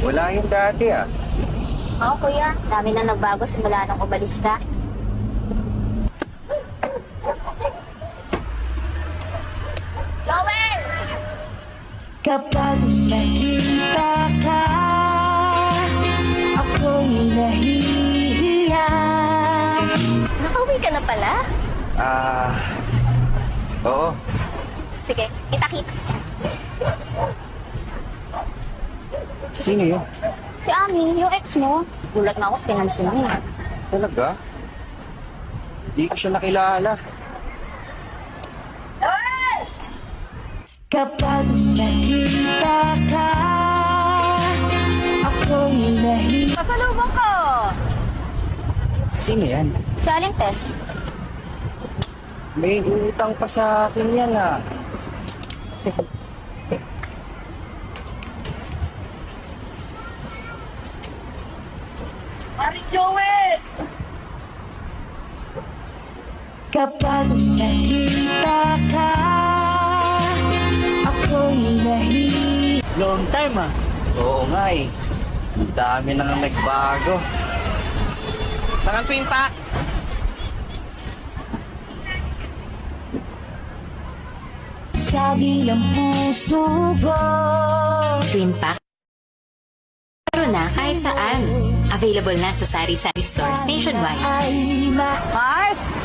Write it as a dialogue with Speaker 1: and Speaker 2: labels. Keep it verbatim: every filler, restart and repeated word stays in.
Speaker 1: Wala yung dati ah.
Speaker 2: Oo, kuya. Dami na nagbago simula nung umalis ka. Joel!
Speaker 3: Kapag nakita ka, ako'y nahihiya.
Speaker 2: Nakauwi ka na pala?
Speaker 1: Ah, oo.
Speaker 2: Sige, kita-kits.
Speaker 1: Sino yun?
Speaker 2: Si Ami, yung ex mo. Gulat na ako, pinansin niya.
Speaker 1: Talaga? Hindi ko siya nakilala.
Speaker 3: Kapag nakita ka, ako'y nahihiya.
Speaker 2: Pasalubong ko!
Speaker 1: Sino yan?
Speaker 2: Si Aling Tess.
Speaker 1: May utang pa sa akin yan ah.
Speaker 4: Paring Joel!
Speaker 3: Kapag nakita ka, ako'y nahihiya.
Speaker 4: Long time ah.
Speaker 1: Oo nga eh. Ang dami nang nagbago. Tangan pinta!
Speaker 3: Sabi ng puso ko,
Speaker 5: Twin Pack. Meron na kahit saan. Available na sa sari-sari stores nationwide.
Speaker 3: ay ma...
Speaker 2: Mars!